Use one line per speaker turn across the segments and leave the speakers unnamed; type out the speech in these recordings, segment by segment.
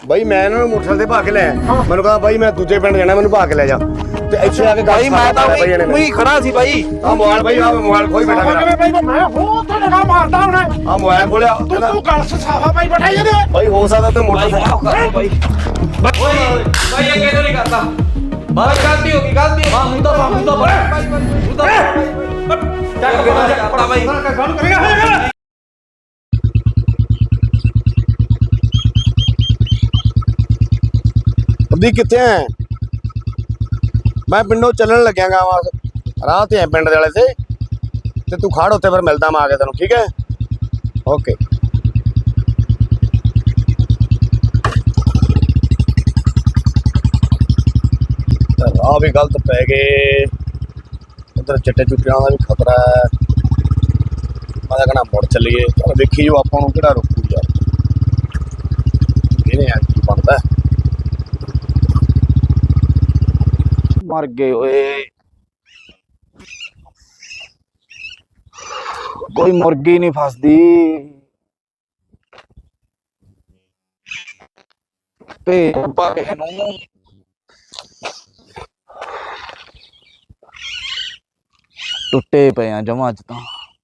ਬਾਈ ਮੈਂ ਇਹਨਾਂ ਨੂੰ ਮੋਟਰਸਾਈਕਲ ਤੇ ਭਾ ਕੇ ਲੈ ਮੈਨੂੰ ਕਹਾ ਬਾਈ ਮੈਂ ਦੂਜੇ ਪਿੰਡ ਜਾਣਾ ਮੈਨੂੰ ਭਾ ਕੇ ਲੈ ਜਾ ਤੇ ਇੱਥੇ ਆ ਕੇ
ਬਾਈ ਮੈਂ ਤਾਂ ਉਹੀ ਖੜਾ ਸੀ ਬਾਈ।
ਆ ਮੋਬਾਈਲ ਬਾਈ ਆ ਮੋਬਾਈਲ ਖੋਈ ਬੈਠਾ ਮੇਰਾ
ਬਾਈ ਮੈਂ ਹੋ ਤੇ ਲਗਾ ਮਾਰਦਾ ਹੁਣ
ਆ ਮੋਬਾਈਲ ਖੋਲਿਆ
ਤੂੰ ਗੱਲ ਸਾਫਾ ਬਾਈ ਬੈਠਾ ਜਾਂਦੇ
ਬਾਈ ਹੋ ਸਕਦਾ ਤੇ ਮੋਟਰਸਾਈਕਲ
ਬਾਈ ਬਾਈ ਇਹ ਕਿਹਦੋਂ ਨਹੀਂ ਕਰਦਾ ਬਾਈ ਗਲਤੀ ਹੋ ਗਈ ਹਾਂ ਹੁਣ ਤਾਂ ਚੱਕ ਕੇ ਕਰਦਾ ਬਾਈ
ਗੱਲ ਕਰੇਗਾ
ਅੱਧੀ ਕਿੱਥੇ ਐ ਮੈਂ ਪਿੰਡੋਂ ਚੱਲਣ ਲੱਗਿਆਗਾ ਰਾਹ ਤੇ ਐ ਪਿੰਡ ਦੇ ਵਾਲੇ ਤੇ ਤੂੰ ਖੜ ਉੱਤੇ ਫਿਰ ਮਿਲਦਾ ਮੈਂ ਆ ਕੇ ਤੈਨੂੰ ਠੀਕ ਹੈ ਓਕੇ ਰਾਹ ਵੀ ਗਲਤ ਪੈ ਗਏ ਉਧਰ ਚਿੱਟੇ ਚੁੱਟਿਆਂ ਦਾ ਵੀ ਖਤਰਾ ਹੈ ਮੈਂ ਤਾਂ ਕਹਿਣਾ ਮੁੜ ਚੱਲੀਏ ਚਲ ਵੇਖੀ ਜੋ ਆਪਾਂ ਨੂੰ ਕਿਹੜਾ ਰੋਕੂ ਯਾਰ ਇਹਨੇ ਆ ਕੀ ਬਣਦਾ
ਮਰ ਗਏ ਓਏ ਕੋਈ ਮੁਰਗੀ ਨਹੀਂ ਫਸਦੀ ਤੇ ਪਾਕੇ ਨੂੰ ਟੁੱਟੇ ਪਏ ਆ ਜਮਾਂ ਚ ਤਾਂ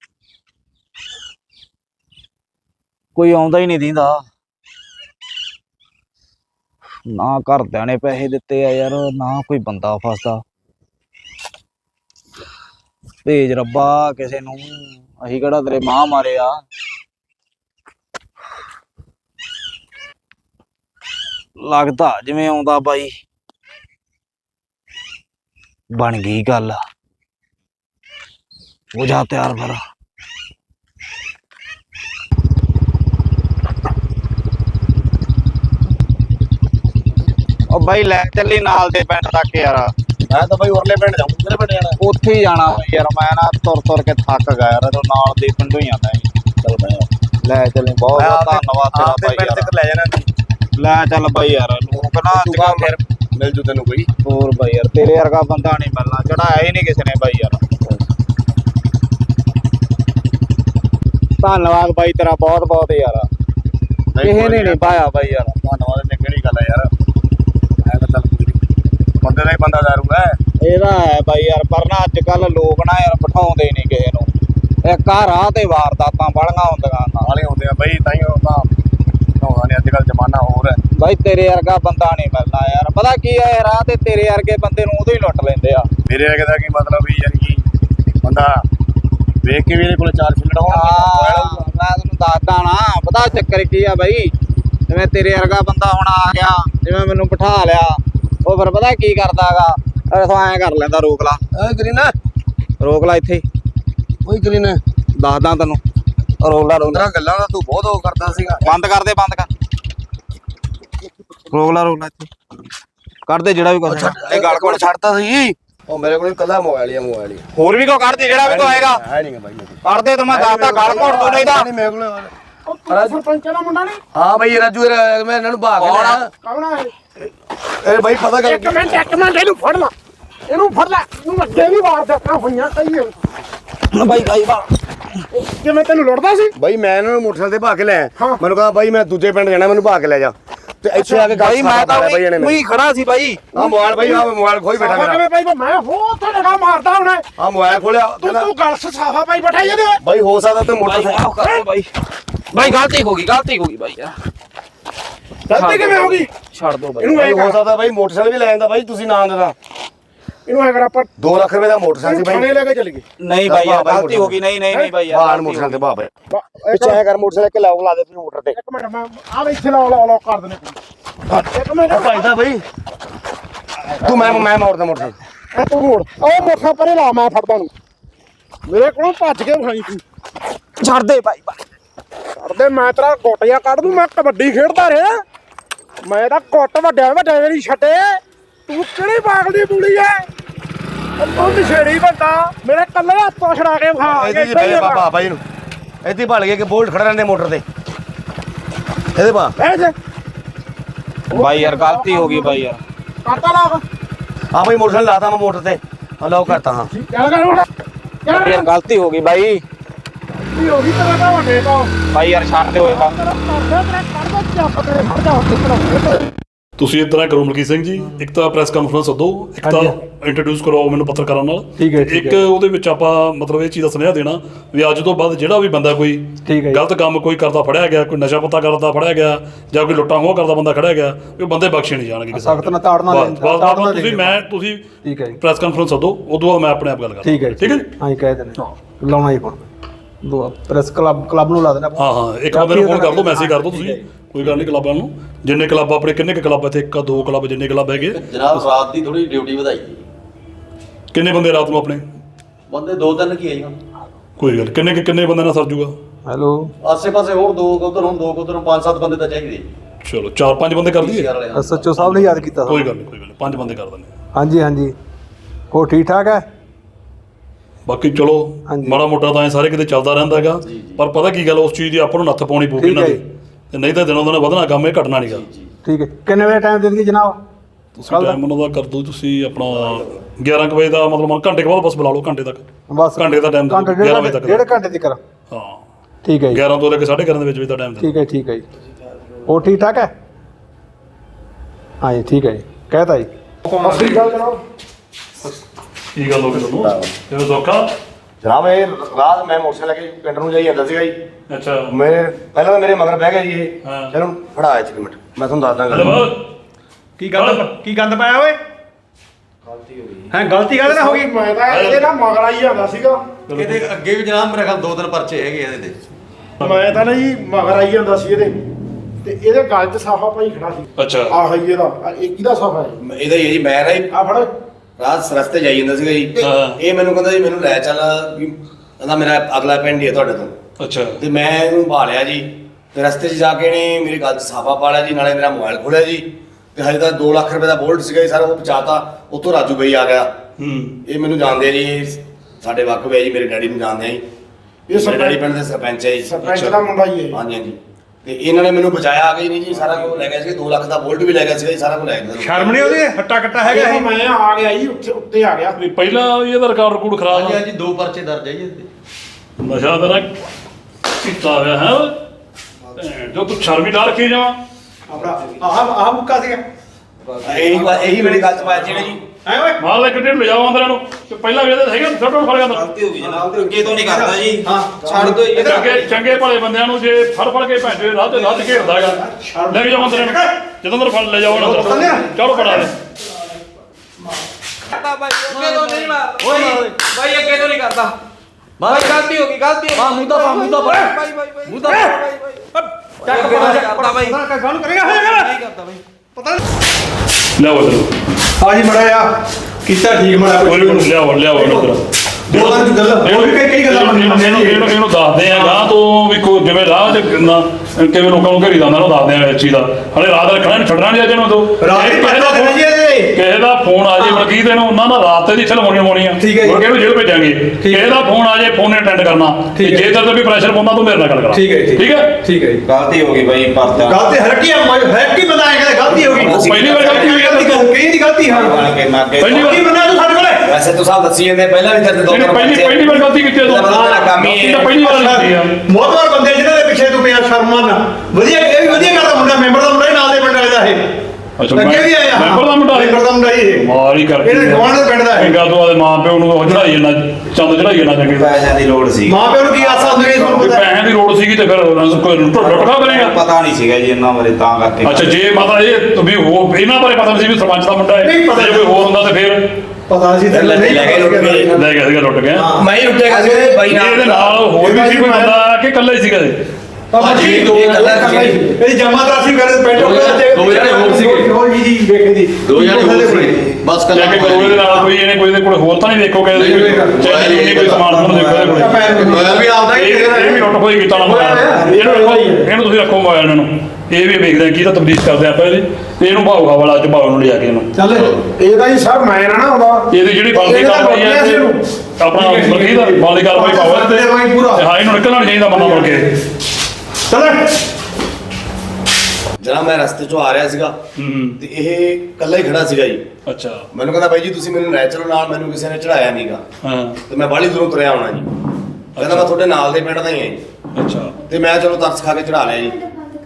ਕੋਈ ਆਉਂਦਾ ਹੀ ਨਹੀਂ ਦਿੰਦਾ ਨਾ ਘਰਦਿਆਂ ਨੇ ਪੈਸੇ ਦਿੱਤੇ ਆ ਯਾਰ ਨਾ ਕੋਈ ਬੰਦਾ ਫਸਦਾ ਭੇਜ ਰੱਬਾ ਕਿਸੇ ਨੂੰ ਅਸੀਂ ਕਿਹੜਾ ਤੇਰੇ ਮਾਂ ਮਾਰੇ ਆ ਲੱਗਦਾ ਜਿਵੇਂ ਆਉਂਦਾ ਬਾਈ ਬਣ ਗਈ ਗੱਲ ਹੋ ਜਾ ਤਿਆਰ ਫਿਰ ਉਹ ਬਾਈ ਲੈ ਚੱਲੀ ਨਾਲ ਦੇ ਪਿੰਡ ਤੱਕ ਯਾਰ
ਮੈਂ ਤਾਂ ਬਾਈ ਉਰਲੇ ਪਿੰਡ ਜਾਊਂ ਕਿਹੜੇ ਪਿੰਡ ਜਾਣਾ
ਉੱਥੇ ਹੀ ਜਾਣਾ ਬਾਈ ਯਾਰ ਮੈਂ ਨਾ ਤੁਰ ਕੇ ਥੱਕ ਗਿਆ ਯਾਰ ਤੂੰ ਨਾਲ ਦੇ ਪਿੰਡੋਂ ਹੀ ਆਣਾ
ਚੱਲ ਮੈਂ
ਲੈ ਚੱਲੀ ਬਹੁਤ ਬਹੁਤ ਧੰਨਵਾਦ ਤੇਰਾ ਬਾਈ
ਪਿੰਡ
ਯਾਰ
ਤੱਕ ਲੈ ਜਾਣਾ
ਲੈ ਚੱਲ ਬਾਈ ਯਾਰ ਲੋਕ ਨਾ
ਤੂੰ ਕਾ ਫਿਰ ਮਿਲ ਜੂ ਤੈਨੂੰ ਕੋਈ
ਹੋਰ ਬਾਈ ਯਾਰ ਤੇਰੇ ਵਰਗਾ ਬੰਦਾ ਨਹੀਂ ਮਿਲਣਾ ਚੜਾਇਆ ਹੀ ਨਹੀਂ ਕਿਸੇ ਨੇ ਬਾਈ ਯਾਰ ਧੰਨਵਾਦ ਬਾਈ ਤੇਰਾ ਬਹੁਤ ਬਹੁਤ ਯਾਰ ਕਿਸੇ ਨੇ ਨਹੀਂ ਪਾਇਆ ਬਾਈ ਯਾਰ
ਧੰਨਵਾਦ ਨੇ ਕਿਹੜੀ ਗੱਲ ਹੈ ਯਾਰ ਮੈਂ ਤਾਂ ਚੱਲ ਬੰਦੇ ਦਾ ਹੀ ਬੰਦਾ ਦਾਰੂ ਹੈ
ਇਹਦਾ ਹੈ ਬਾਈ ਯਾਰ ਪਰ ਨਾ ਅੱਜ ਕੱਲ ਲੋਕ ਨਾ ਯਾਰ ਬਿਠਾਉਂਦੇ ਨਹੀਂ ਕਿਸੇ ਨੂੰ ਇੱਕ ਆ ਰਾਹ ਤੇ ਵਾਰਦਾਤਾਂ ਬੜੀਆਂ ਹੁੰਦੀਆਂ
ਨਾਲੇ ਹੁੰਦੇ ਆ ਬਾਈ ਤਾਂ ਹੀ ਉਹ ਤਾਂ ਹੋਣਾ ਨਹੀਂ ਅੱਜ ਕੱਲ ਜ਼ਮਾਨਾ ਹੋਰ ਹੈ
ਬਾਈ ਤੇਰੇ ਵਰਗਾ ਬੰਦਾ ਨਹੀਂ ਮਿਲਦਾ ਯਾਰ ਪਤਾ ਕੀ ਹੈ ਰਾਹ ਤੇ ਤੇਰੇ ਵਰਗੇ ਬੰਦੇ ਨੂੰ ਉਦੋਂ ਹੀ ਲੁੱਟ ਲੈਂਦੇ ਆ
ਮੇਰੇ ਵਰਗੇ ਦਾ ਕੀ ਮਤਲਬ ਵੀ ਯਾਨੀ ਕਿ ਬੰਦਾ ਵੇਖ ਕੇ ਵੀ ਇਹਦੇ ਕੋਲ ਚਾਰ ਛਿੱਲੜ ਹੋਣ
ਮੈਂ ਤੈਨੂੰ ਦੱਸਦਾ ਨਾ ਪਤਾ ਚੱਕਰ ਕੀ ਆ ਬਾਈ ਜਿਵੇਂ ਤੇਰੇ ਵਰਗਾ ਬੰਦਾ ਹੁਣ ਆ ਗਿਆ ਜਿਵੇਂ ਮੈਨੂੰ ਬਿਠਾ ਲਿਆ ਉਹ ਫਿਰ ਪਤਾ ਕੀ ਕਰਦਾਗਾ ਇਥੋਂ ਐਂ ਕਰ ਲੈਂਦਾ ਰੋਕ ਲਾ
ਗਰੀਨਾ
ਰੋਕ ਲਾ ਇੱਥੇ
ਓਏ ਗਰੀਨਾ
ਦੱਸਦਾ ਤੈਨੂੰ ਰੋਕ ਲਾ
ਗੱਲਾਂ ਦਾ ਤੂੰ ਬਹੁਤ ਉਹ ਕਰਦਾ ਸੀਗਾ
ਬੰਦ ਕਰ ਦੇ ਬੰਦ ਕਰ ਰੋਕ ਲਾ ਇੱਥੇ ਕਰ ਦੇ ਜਿਹੜਾ ਵੀ ਕੁਛ
ਇਹ ਗੱਲ ਕੋਲ ਛੱਡਤਾ ਸੀ ਉਹ ਮੇਰੇ ਕੋਲ ਕੱਲਾ ਮੋਬਾਈਲ ਹੀ
ਹੋਰ ਵੀ ਕੋ ਕਰ ਦੇ ਜਿਹੜਾ ਵੀ ਕੋ ਆਏਗਾ
ਹੈ ਨਹੀਂ ਬਾਈ
ਕਰ ਦੇ ਤੇ ਮੈਂ ਦੱਸਦਾ ਗਲ ਘੋੜ ਤੋਂ ਨਹੀਂ ਦਾ
ਮੇਰੇ ਕੋਲ
ਸਰਪੰਚ ਦਾ ਮੁੰਡਾ ਨਹੀਂ
ਹਾਂ ਬਾਈ ਰਾਜੂ ਮੈਂ ਇਹਨਾਂ ਨੂੰ ਭਾਗ ਲਿਆ
ਕੌਣ ਆ
ਇਹ ਬਾਈ ਪਤਾ ਕਰ
ਇੱਕ ਮਿੰਟ ਇਹਨੂੰ ਫੜ ਲੈ ਇਹਨੂੰ ਅੱਗੇ ਵੀ ਵਾਰਦਾਤਾਂ ਹੋਈਆਂ ਕਈ
ਬਾਈ ਬਾਈ ਬਾ
ਜਿਵੇਂ ਤੈਨੂੰ ਲੁੱਟਦਾ ਸੀ
ਬਾਈ ਮੈਂ ਇਹਨਾਂ ਨੂੰ ਮੋਟਰਸਾਈਕਲ ਤੇ ਭਾ ਕੇ ਲੈ ਮੈਨੂੰ ਕਹਾ ਬਾਈ ਮੈਂ ਦੂਜੇ ਪਿੰਡ ਜਾਣਾ ਮੈਨੂੰ ਭਾ ਕੇ ਲੈ ਜਾ ਤੇ ਇੱਥੇ ਆ ਕੇ
ਬਾਈ ਮੈਂ ਤਾਂ ਉਹੀ ਖੜਾ ਸੀ ਬਾਈ
ਆ ਮੋਬਾਈਲ ਬਾਈ ਆ ਮੋਬਾਈਲ ਖੋਈ ਬੈਠਾ ਮੇਰਾ
ਬਾਈ ਮੈਂ ਹੋ ਤੇ ਲਗਾ ਮਾਰਦਾ ਹੁਣ
ਆ ਮੋਬਾਈਲ ਖੋਲਿਆ
ਤੂੰ ਗੱਲ ਸਾਫਾ ਬਾਈ ਬੈਠਾ ਜਾਂਦੇ
ਬਾਈ ਹੋ ਸਕਦਾ ਤੇ ਮੋਟਰਸਾਈਕਲ
ਬਾਈ ਗਲਤੀ ਹੋ ਗਈ ਬਾਈ ਯਾਰ
ਗਲਤੀ ਕਿਵੇਂ ਹੋ ਗਈ
ਛੱਡ ਦੋ ਬਾਈ
ਬਾਈ ਹੋ ਸਕਦਾ ਬਾਈ ਮੋਟਰਸਾਈਕਲ ਵੀ ਲੈ ਜਾਂਦਾ ਬਾਈ ਤੁਸੀਂ ਨਾ ਦਿੰਦਾ
ਇਹਨੂੰ ਐ ਕਰ ਆਪਾਂ
2 ਲੱਖ ਰੁਪਏ ਦਾ ਮੋਟਰਸਾਈਕਲ ਸੀ ਬਾਈ
ਥਾਣੇ ਲੈ ਕੇ ਚੱਲ ਗਏ
ਨਹੀਂ ਬਾਈ ਯਾਰ ਗਲਤੀ ਹੋ ਗਈ ਨਹੀਂ ਬਾਈ ਯਾਰ
ਬਾਹਰ ਮੋਟਰਸਾਈਕਲ ਤੇ ਬਾਬੇ ਪਿੱਛੇ ਆਇਆ ਕਰ ਮੋਟਰਸਾਈਕਲ ਲਾਉ ਲਾ ਦੇ ਤੂੰ ਮੋਟਰ ਤੇ
ਇੱਕ ਮਿੰਟ ਮੈਂ ਆ ਇੱਥੇ ਲਾ ਕਰ ਦਿੰਦੇ ਇੱਕ ਮਿੰਟ
ਭਾਈਦਾ ਬਾਈ ਤੂੰ ਮੈਂ ਮੋੜਦਾ ਮੋਟਰਸਾਈਕਲ
ਤੂੰ ਮੋੜ ਉਹ ਮੋਖਾ ਪਰੇ ਲਾ ਮੈਂ ਫੜਦਾ ਨੂੰ ਮੇਰੇ ਕੋਲੋਂ ਭੱਜ ਕੇ ਵਿਖਾਈ ਤੂੰ
ਛੱਡ ਦੇ ਬਾਈ
ਕਰਦੇ ਮੈਂ ਤੇਰਾ ਗੁੱਟ ਜਾਂ ਕੱਢ ਦੂੰ ਮੈਂ ਕਬੱਡੀ ਖੇਡਦਾ ਰਿਹਾ ਮੈਂ ਤਾਂ ਗੁੱਟ ਵੱਡਿਆਂ ਨਹੀਂ ਛੱਡੇ ਤੂੰ ਕਿਹੜੀ ਬਾਗ ਦੀ ਬੂਲੀ ਐ ਤੂੰ ਨਸ਼ੇੜੀ ਬੰਦਾ ਮੇਰੇ ਕੱਲੇ ਹੱਥੋਂ ਛੜਾ ਕੇ ਵਿਖਾ
ਬਾਬਾ ਜੀ ਨੂੰ ਇੱਥੇ ਭਲ ਗਏ ਕਿ ਬੋਲਟ ਖੜਾ ਰਹਿੰਦੇ ਮੋਟਰ ਤੇ ਇਹਦੇ ਪਾ
ਬਾਈ ਯਾਰ ਗਲਤੀ ਹੋ ਗਈ ਬਾਈ ਯਾਰ
ਕਰਤਾ ਲਾ
ਆ ਬਾਈ ਮੋਟਰਸਾਈਕਲ ਲਾਤਾ ਮੈਂ ਮੋਟਰ ਤੇ ਅਲਾਉ ਕਰਤਾ ਹਾਂ
ਚੱਲ ਕਰ ਹੁਣ
ਯਾਰ ਗਲਤੀ ਹੋ ਗਈ ਬਾਈ
ਗਲਤੀ ਹੋ ਗਈ ਤੇਰੇ ਨਾਲ ਵੱਡੇ ਤੋਂ
ਬਾਈ ਯਾਰ ਛੱਡ ਦਿਓ ਇਹਦਾ
ਤੇਰਾ ਕਰਦਾ ਤੇਰਾ ਕੱਢਦਾ ਚੱਪ ਤੇਰੇ ਖੜ ਜਾ ਉੱਤੇ
ਤੁਸੀਂ ਇਸ ਤਰ੍ਹਾਂ ਕਰੋ ਮਲਕੀਤ ਸਿੰਘ ਜੀ, ਇੱਕ ਤਾਂ ਪ੍ਰੈਸ ਕਾਨਫਰੰਸ ਸੱਦੋ, ਇੱਕ ਤਾਂ ਇੰਟਰੋਡਿਊਸ ਕਰਾਓ ਮੈਨੂੰ ਪੱਤਰਕਾਰਾਂ ਨਾਲ।
ਠੀਕ ਹੈ, ਠੀਕ
ਇੱਕ ਉਹਦੇ ਵਿੱਚ ਆਪਾਂ ਮਤਲਬ ਇਹ ਚੀਜ਼ ਦਾ ਸੁਨੇਹਾ ਦੇਣਾ ਵੀ ਅੱਜ ਤੋਂ ਬਾਅਦ ਜਿਹੜਾ ਵੀ ਬੰਦਾ ਕੋਈ
ਠੀਕ ਹੈ ਜੀ।
ਗਲਤ ਕੰਮ ਕੋਈ ਕਰਦਾ ਫੜਿਆ ਗਿਆ, ਕੋਈ ਨਸ਼ਾ ਪੱਤਾ ਕਰਦਾ ਫੜਿਆ ਗਿਆ ਜਾਂ ਕੋਈ ਲੁੱਟਾਂ ਖੋਹ ਕਰਦਾ ਬੰਦਾ ਖੜਿਆ ਗਿਆ, ਉਹ ਬੰਦੇ ਬਖਸ਼ੇ ਨਹੀਂ ਜਾਣਗੇ ਕਿਸੇ
ਸਖਤ ਨਾਲ ਤਾੜਨਾ
ਬਸ ਤੁਸੀਂ
ਠੀਕ ਹੈ ਜੀ।
ਪ੍ਰੈਸ ਕਾਨਫਰੰਸ ਸੱਦੋ, ਉਦੋਂ ਬਾਅਦ ਮੈਂ ਆਪਣੇ ਆਪ ਗੱਲ ਕਰਾਂ।
ਠੀਕ ਹੈ
ਠੀਕ ਹੈ ਜੀ।
ਹਾਂ ਕਹਿ ਦਿੰਦੇ ਲਾਉਣਾ ਹੀ ਫੋਨ ਪ੍ਰੈਸ ਕਲੱਬ ਨੂੰ ਲਾ ਦੇਣਾ।
ਹਾਂ ਇੱਕ ਬੰਦੇ ਨੂੰ ਫੋਨ ਕਰ ਦਿਓ, ਮੈਸੇਜ ਕਰ ਦਿਓ ਤੁਸੀਂ, ਕੋਈ ਗੱਲ ਨਹੀਂ। ਕਲੱਬਾਂ ਨੂੰ ਜਿੰਨੇ ਕਲੱਬ ਆਪਣੇ ਕਿੰਨੇ ਕੁ ਕਲੱਬ ਇੱਥੇ 1 2 ਕਲੱਬ ਜਿੰਨੇ ਕਲੱਬ ਹੈਗੇ
ਜਨਾਬ ਰਾਤ ਦੀ ਥੋੜੀ ਡਿਊਟੀ ਵਧਾਈ ਜੀ।
ਕਿੰਨੇ ਬੰਦੇ ਰਾਤ ਨੂੰ ਆਪਣੇ
ਬੰਦੇ 2-3 ਕੀ ਆਈ ਹੁਣ
ਕੋਈ ਗੱਲ ਕਿੰਨੇ ਬੰਦੇ ਨਾਲ ਸਰ ਜੂਗਾ।
ਹੈਲੋ
ਆਸੇ ਪਾਸੇ ਹੋਰ 2 ਉਧਰ ਹੁਣ 2 ਉਧਰ 5-7 ਬੰਦੇ ਤਾਂ ਚਾਹੀਦੇ
ਚਲੋ 4-5 ਬੰਦੇ ਕਰ ਲਈਏ।
ਐਸਐਚਓ ਸਾਹਿਬ ਨੇ ਯਾਦ ਕੀਤਾ
ਕੋਈ ਗੱਲ ਨਹੀਂ 5 ਬੰਦੇ ਕਰ ਦਿੰਦੇ।
ਹਾਂਜੀ ਹਾਂਜੀ ਹੋ ਠੀਕ ਠਾਕ ਹੈ।
ਬਾਕੀ ਚਲੋ
ਹਾਂਜੀ।
ਮਾੜਾ ਮੋਟਾ ਤਾਂ ਐ ਸਾਰੇ ਕਿਤੇ ਚੱਲਦਾ ਰਹਿੰਦਾ ਹੈਗਾ, ਪਰ ਪਤਾ ਕੀ ਗੱਲ ਉਸ ਚੀਜ਼ ਦੀ ਆਪਾਂ ਨੂੰ ਨੱਥ ਪਾਉਣੀ ਪਊਗੀ ਇਹਨਾਂ ਦੀ, ਤੇ ਨਹੀਂ ਤਾਂ ਦਿਨੋਂ ਦਿਨ ਵਧਣਾ ਕੰਮ, ਇਹ ਘਟਣਾ ਨਹੀਂਗਾ।
ਠੀਕ ਹੈ ਕਿੰਨੇ ਵਜੇ ਟਾਈਮ ਦੇ ਦਈਏ ਜਨਾਬ।
ਤੁਸੀਂ ਟਾਈਮ ਉਹਨਾਂ ਦਾ ਕਰ ਦਿਓ, ਤੁਸੀਂ ਆਪਣਾ 11 ਵਜੇ ਦਾ ਮਤਲਬ ਘੰਟੇ ਕੁ ਬਾਅਦ ਬਸ ਬੁਲਾ ਲਓ, ਘੰਟੇ ਤੱਕ
ਬਸ
ਘੰਟੇ ਦਾ ਟਾਈਮ 11 ਵਜੇ ਤੱਕ।
ਡੇਢ ਘੰਟੇ ਤੱਕ
ਹਾਂ
ਠੀਕ ਹੈ ਜੀ।
11 ਤੋਂ ਲੈ ਕੇ 11:30 ਦੇ ਵਿੱਚ ਦਾ ਟਾਈਮ
ਠੀਕ ਹੈ ਠੀਕ ਹੈ ਜੀ। ਹੋ ਠੀਕ ਠਾਕ ਹੈ। ਹਾਂ ਜੀ ਠੀਕ ਹੈ ਜੀ ਕਹਿਤਾ ਜੀ।
ਅਸਲੀ ਗੱਲ ਜਨਾਬ
ਕੀ ਗੱਲ ਹੋ ਗਈ ਤੁਹਾਨੂੰ ਜਿਵੇਂ ਸੌਖਾ।
ਜਨਾਬ ਇਹ ਰਾਤ ਮੈਂ ਮੋਟਰਸਾਈਕਲ ਲੈ ਕੇ ਪਿੰਡ ਨੂੰ ਜਾਈ ਜਾਂਦਾ ਸੀਗਾ ਜੀ।
ਅੱਛਾ
ਮੇਰੇ ਪਹਿਲਾਂ ਤਾਂ ਮੇਰੇ ਮਗਰ ਬਹਿ ਗਿਆ ਜੀ ਇਹ।
ਹਾਂ।
ਚਲੋ ਫੜਾ ਇੱਕ ਮਿੰਟ ਮੈਂ ਤੁਹਾਨੂੰ ਦੱਸਦਾ ਗੱਲ।
ਹੈਲੋ
ਕੀ ਗੰਦ ਪਾਇਆ ਓਏ ਹੈ ਗਲਤੀ ਕਾਹਦੇ ਨਾਲ ਹੋ ਗਈ ਮੈਂ ਤਾਂ ਇਹਦੇ ਨਾਲ ਮਗਰ ਆਈ ਜਾਂਦਾ ਸੀਗਾ
ਇਹਦੇ ਅੱਗੇ ਵੀ ਜਨਾਬ ਮੇਰੇ ਖਿਆਲ 2-3 ਪਰਚੇ ਹੈਗੇ ਇਹਦੇ ਤੇ।
ਮੈਂ ਤਾਂ ਨਾ ਜੀ ਮਗਰ ਆਈ ਜਾਂਦਾ ਸੀ ਇਹਦੇ ਤੇ ਇਹਦੇ ਗਲ 'ਚ ਸਾਫਾ ਪਾਈ ਖੜਾ ਸੀ।
ਅੱਛਾ
ਆਹ ਹੀ ਇਹਦਾ ਇਹ ਕਿਹਦਾ ਸਾਫਾ ਹੈ
ਇਹਦਾ ਹੀ ਹੈ ਜੀ, ਮੈਂ ਨਾ
ਆ ਫੜ
ਰਾਤ ਰਸਤੇ ਜਾਈ ਜਾਂਦਾ ਸੀਗਾ ਜੀ।
ਹਾਂ।
ਇਹ ਮੈਨੂੰ ਕਹਿੰਦਾ ਜੀ ਮੈਨੂੰ ਲੈ ਚੱਲ ਵੀ ਕਹਿੰਦਾ ਮੇਰਾ ਅਗਲਾ ਪਿੰਡ ਹੀ ਹੈ ਤੁਹਾਡੇ ਤੋਂ।
ਅੱਛਾ
ਤੇ ਮੈਂ ਇਹਨੂੰ ਭਾਲਿਆ ਜੀ ਤੇ ਰਸਤੇ 'ਚ ਜਾ ਕੇ ਇਹਨੇ ਮੇਰੇ ਗਲ 'ਚ ਸਾਫਾ ਪਾ ਲਿਆ ਜੀ, ਨਾਲੇ ਮੇਰਾ ਮੋਬਾਈਲ ਖੋਲਿਆ ਜੀ ਤੇ ਹਜੇ ਤਾਂ 2 ਲੱਖ ਰੁਪਏ ਦਾ ਬੋਲਟ ਸੀਗਾ ਜੀ ਸਾਰਾ ਉਹ ਪਹੁੰਚਾਤਾ। ਉੱਥੋਂ ਰਾਜੂ ਬਈ ਆ ਗਿਆ। ਇਹ ਮੈਨੂੰ ਜਾਣਦੇ ਆ ਜੀ, ਸਾਡੇ ਵਾਕਫ ਹੈ ਜੀ, ਮੇਰੇ ਡੈਡੀ ਨੂੰ ਜਾਣਦੇ ਆ ਜੀ।
ਇਹ
ਮੇਰੇ ਡੈਡੀ ਪਿੰਡ ਦੇ ਸਰਪੰਚ ਹੈ ਜੀ।
ਸਰਪੰਚ ਦਾ ਮੁੰਡਾ ਹੀ ਹੈ।
ਹਾਂਜੀ ਹਾਂਜੀ। ਤੇ ਇਹਨਾਂ ਨੇ ਮੈਨੂੰ ਬਚਾਇਆ ਆ ਗਈ ਨਹੀਂ ਜੀ, ਸਾਰਾ ਕੁਝ ਲੈ ਗਿਆ ਸੀ, 2 ਲੱਖ ਦਾ ਬੋਲਟ ਵੀ ਲੈ ਗਿਆ ਸੀਗਾ ਜੀ, ਸਾਰਾ ਕੁਝ ਲੈ ਗਿਆ।
ਸ਼ਰਮ ਨਹੀਂ ਉਹਦੇ ਹੱਟਾ ਕੱਟਾ ਹੈਗਾ ਇਹ। ਮੈਂ ਆ ਗਿਆ ਜੀ ਉੱਤੇ ਆ ਗਿਆ।
ਵੀ ਪਹਿਲਾਂ ਇਹਦਾ ਰਿਕਾਰਡ ਖਰਾਬ
ਹਾਂਜੀ ਹਾਂਜੀ 2 ਪਰਚੇ ਦਰਜ ਹੈ ਜੀ ਇਹਦੇ ਤੇ।
ਨਸ਼ਾ ਤੇਰਾ ਕੀਤਾ ਹੋਇਆ ਹੈ ਜੋ ਤੂੰ ਸ਼ਰਮੀ ਨਾਲ ਰੱਖੀ ਜਾਵਾਂ।
ਆਹ ਮੁੱਕਾ ਸੀਗਾ
ਇਹੀ ਮੇਰੀ ਗੱਲ ਚ ਪਾਇਆ ਜਿਹੜੇ ਜੀ।
ਐ ਓਏ
ਮਾਰ ਲੈ ਗੱਡੀ ਨੂੰ ਲਿਜਾਓ ਅੰਦਰਾਂ ਨੂੰ ਤੇ ਪਹਿਲਾਂ ਵੀ ਇਹਦੇ ਹੈਗਾ ਛੋਟੋ ਫੜ ਗਿਆ ਤਾਂ
ਗਲਤੀ ਹੋ ਗਈ ਜਨਾਬ ਤੇ ਅੱਗੇ ਤੋਂ ਨਹੀਂ ਕਰਦਾ ਜੀ। ਹਾਂ ਛੱਡ ਦਿਓ ਜੀ
ਚੰਗੇ ਭਲੇ ਬੰਦਿਆਂ ਨੂੰ ਜੇ ਫੜ ਕੇ ਭੈਂਦੇ ਰਾਹ ਤੇ ਘੇਰਦਾ ਹੈਗਾ, ਲੈ ਕੇ ਜਾਓ ਅੰਦਰਾਂ ਨੂੰ, ਜਦੋਂ ਅੰਦਰ ਫੜ ਲੈ ਜਾਓ ਅੰਦਰ, ਚਲੋ ਫੜਾ ਦੇ।
ਕਰਦਾ ਬਾਈ ਅੱਗੇ ਤੋਂ ਨਹੀਂ ਮਾਰਦਾ ਓਏ ਬਾਈ ਅੱਗੇ ਤੋਂ ਨਹੀਂ ਕਰਦਾ ਬਾਈ ਗਲਤੀ ਹੋ ਗਈ ਮੂੰਹ ਦਾ ਬਾਈ ਮੂੰਹ ਦਾ ਬਾਈ ਚੱਕ ਕਰਦਾ ਬਾਈ
ਗੱਲ ਕਰੇਗਾ ਹੋਏਗਾ
ਨਹੀਂ ਕਰਦਾ ਬਾਈ
ਪਤਾ
ਲਿਆਓ ਇੱਧਰ,
ਆ ਜੀ ਮੜਾ ਆ ਕੀਤਾ ਠੀਕ ਮੜਾ
ਕੋਈ ਨਹੀਂ ਲਿਆਓ ਇੱਧਰ।
ਦੋ ਦਿਨ ਦੀ ਗੱਲ ਹੋਰ ਵੀ ਕਈ ਗੱਲਾਂ
ਇਹਨੂੰ ਦੱਸਦੇ ਆ ਰਾਹ ਤੋਂ ਵੀ ਕੋਈ ਜਿਵੇਂ ਰਾਹ 'ਚ ਕਿਵੇਂ ਲੋਕਾਂ ਨੂੰ ਘੇਰੀ ਜਾਂਦਾ, ਉਹਨੂੰ ਦੱਸਦੇ ਆ ਇਸ ਚੀਜ਼ ਦਾ। ਹਲੇ ਰਾਤ ਰੱਖਣਾ ਨਹੀਂ, ਛੱਡਣਾ ਨਹੀਂ ਅੱਜ ਇਹਨੂੰ ਤੋਂ। ਕਿਸੇ ਦਾ ਫੋਨ ਆ ਜੇ ਮਲਕੀਤ ਇਹਨੂੰ ਉਹਨਾਂ ਦਾ ਰਾਤ ਤੇ ਦੀ ਇੱਥੇ ਲਵਾਉਣੀਆਂ
ਠੀਕ ਹੈ ਜੀ।
ਮੁੜ ਕੇ ਇਹਨੂੰ ਜੇਲ੍ਹ ਭੇਜਾਂਗੇ। ਕਿਸੇ ਦਾ ਫੋਨ ਆ ਜੇ ਫੋਨ ਨੇ ਅਟੈਂਡ ਕਰਨਾ, ਤੇ ਜੇ ਤੇਰੇ ਤੇ ਵੀ ਪ੍ਰੈਸ਼ਰ ਪਾਉਂਦਾ ਤੂੰ ਮੇਰੇ ਨਾਲ ਗੱਲ ਕਰਾ।
ਠੀਕ ਹੈ
ਠੀਕ ਹੈ
ਠੀਕ ਹੈ ਜੀ।
ਗਲਤੀ ਹੋ ਗਈ ਬਾਈ ਪਰਚਾ
ਗਲਤੀ ਹਰਕੀ ਹਰਕੀ ਬੰਦਾ ਆਏਗਾ ਗਲਤੀ ਹੋ ਗਈ
ਪਹਿਲੀ ਵਾਰ ਗਲਤੀ ਹੋਈ ਹੈ।
ਕਈ ਦੀ ਗਲਤੀ ਹਾਂ
ਪਹਿਲੀ ਵਾਰ
ਕੀ ਬੰਦਾ ਤੂੰ ਸਾਡੇ ਕੋਲੇ
ਵੈਸੇ ਤੂੰ ਸਾਹਿਬ ਦੱਸੀ ਜਾਂਦੇ ਪਹਿਲਾਂ ਵੀ ਤੇਰੇ
ਇਹਨੇ ਪਹਿਲੀ ਵਾਰ ਗਲਤੀ ਕੀਤੀ ਹੈ ਤੂੰ। ਗਲਤੀ ਤਾਂ ਪਹਿਲੀ ਵਾਰ ਕੀਤੀ ਆ।
ਮੋਤਵਾਰ ਬੰਦੇ ਜਿਹਨਾਂ ਦੇ ਪਿੱਛੇ ਤੂੰ ਪਿਆ ਸ਼ਰਮਨ ਵਧੀਆ ਇਹ ਵੀ ਵਧੀਆ ਕਰਦਾ ਮੁੰਡਾ ਮੈਂਬਰ ਦਾ ਮੁੰਡਾ ਹੀ ਨਾਲ ਦੇ ਪਿੰਡ ਵਾਲੇ ਦਾ ਇਹ ਅੱਗੇ ਵੀ ਆਇਆ
ਮੈਂਬਰ ਦਾ ਮੁੰਡਾ
ਮੈਂਬਰ ਦਾ ਮੁੰਡਾ ਹੀ ਇਹ
ਮਾਰ ਹੀ ਕਰਕੇ
ਇਹਦੇ ਗਵਾਂਢ ਦੇ ਪਿੰਡ ਦਾ ਇਹ
ਚੰਗਾ ਤੋਂ ਆਦੇ ਮਾਂ ਪਿਓ ਨੂੰ ਉਹ ਚੜਾਈ ਜਾਂਦਾ, ਚੰਦ ਚੜਾਈ ਜਾਂਦਾ ਚੰਗੇ।
ਪੈਸਿਆਂ ਦੀ ਲੋੜ ਸੀ
ਮਾਂ ਪਿਓ ਨੂੰ ਕੀ ਆਸਾਂ ਹੁੰਦੀ ਹੈ ਤੁਹਾਨੂੰ
ਕੋਈ
ਪਤਾ
ਪੈਸੇ ਦੀ ਲੋੜ ਸੀਗੀ ਤੇ ਫਿਰ ਕੋਈ ਲੁੱਟ ਖਾ ਕਰੇਗਾ।
ਪਤਾ ਨਹੀਂ ਸੀਗਾ ਜੀ ਇਹਨਾਂ ਬਾਰੇ ਤਾਂ ਕਰਕੇ।
ਅੱਛਾ ਜੇ ਮਾਤਾ ਇਹ ਵੀ ਹੋਰ ਇਹਨਾਂ ਬਾਰੇ ਪਤਾ ਨਹੀਂ ਸੀ ਵੀ ਸਰਪੰਚ ਦਾ ਮੁੰਡਾ ਹੈ,
ਨਹੀਂ ਪਤਾ
ਜੇ ਕੋਈ ਹੋਰ ਹੁੰਦਾ ਤੇ ਫਿਰ
ਪਤਾ ਸੀ ਥੱਲੇ ਨਹੀਂ
ਲੈ ਕੇ ਲੁੱਟ ਗਏ।
ਲੈ ਗਿਆ ਸੀਗਾ ਲੁੱਟ ਗਿਆ।
ਮੈਂ ਹੀ ਲੁੱਟਿਆ ਸੀ ਉਹਦੇ ਬਾਈ
ਇਹਦੇ ਨਾਲ ਹੋਰ ਵੀ ਸੀ ਕੋਈ ਬੰਦਾ ਕਿ ਇਕੱਲਾ ਹੀ ਸੀਗਾ ਇਹ?
ਜੀ ਇਹਦੀ ਜਮਾ ਤਰਾਸੀ ਕਰ ਪਿੰਡ
ਦੋ ਜਣੇ ਹੋਰ ਸੀਗੇ।
ਹੋਰ ਜੀ ਵੇਖੇ ਦੀ
2 ਜਣੇ ਹੋਰ ਸੀਗੇ ਬਸ
ਜਾ ਕੇ ਕਰੋ ਇਹਦੇ ਨਾਲ ਕੋਈ ਇਹਨੇ ਕੋਈ ਇਹਦੇ ਕੋਲ ਹੋਰ ਤਾਂ ਨਹੀਂ ਦੇਖੋ ਕਿ ਚਾਹੇ ਕੋਈ ਸਮਾਨ ਸਮੂਨ ਦੇਖੋ ਇਹਦੇ ਕੋਲ।
ਮੋਬਾਈਲ ਵੀ ਆਪਦਾ ਹੀ
ਇਹ ਵੀ ਲੁੱਟ ਖੋਈ ਕੀਤਾ ਨਾ ਮੋਬਾਈਲ। ਇਹਨੂੰ ਤੁਸੀਂ ਰੱਖੋ ਮੋਬਾਈਲ ਇਹਨਾਂ ਨੂੰ, ਇਹ ਵੀ ਵੇਖਦੇ ਆ ਕੀ ਤਾਂ ਤਬਦੀਲ ਕਰਦੇ ਆਪਾਂ ਇਹਦੇ, ਤੇ ਇਹਨੂੰ ਭਾਊਗਾ ਵਾਲਾ ਅੱਜ ਭਾਊ ਨੂੰ ਲਿਆ ਕੇ ਇਹਨੂੰ।
ਚੱਲ ਇਹਦਾ ਹੀ ਸਰ ਮੈਂ ਨਾ ਆਉਂਦਾ
ਇਹਦੀ ਜਿਹੜੀ ਬਣਦੀ ਕਾਰਵਾਈ ਹੈ ਆਪਣਾ ਮਲਕੀ ਦਾ ਬਣਦੀ ਕਾਰਵਾਈ ਪਾਓ ਤੇ ਹਾਂ ਇਹਨੂੰ ਨਿਕਲਣਾ ਨਹੀਂ ਚਾਹੀਦਾ ਬੰਦਾ ਮੁੜ ਕੇ।
ਚੱਲ
ਜਨਾਬ ਮੈਂ ਰਸਤੇ ਚੋਂ ਆ ਰਿਹਾ ਸੀਗਾ ਤੇ ਇਹ ਇਕੱਲਾ ਹੀ ਖੜਾ ਸੀਗਾ ਜੀ।
ਅੱਛਾ
ਮੈਨੂੰ ਕਹਿੰਦਾ ਬਾਈ ਜੀ ਤੁਸੀਂ ਮੈਨੂੰ ਲੈ ਚਲੋ ਨਾਲ, ਮੈਨੂੰ ਕਿਸੇ ਨੇ ਚੜਾਇਆ ਨਹੀਂਗਾ
ਹਾਂ
ਤੇ ਮੈਂ ਬਾਹਲੀ ਦੂਰੋਂ ਤੁਰਿਆ ਆਉਣਾ ਜੀ। ਕਹਿੰਦਾ ਮੈਂ ਤੁਹਾਡੇ ਨਾਲ ਦੇ ਪਿੰਡ ਦਾ ਹੀ ਹਾਂ ਜੀ।
ਅੱਛਾ
ਤੇ ਮੈਂ ਚਲੋ ਤਰਸ ਖਾ ਕੇ ਚੜਾ ਲਿਆ ਜੀ।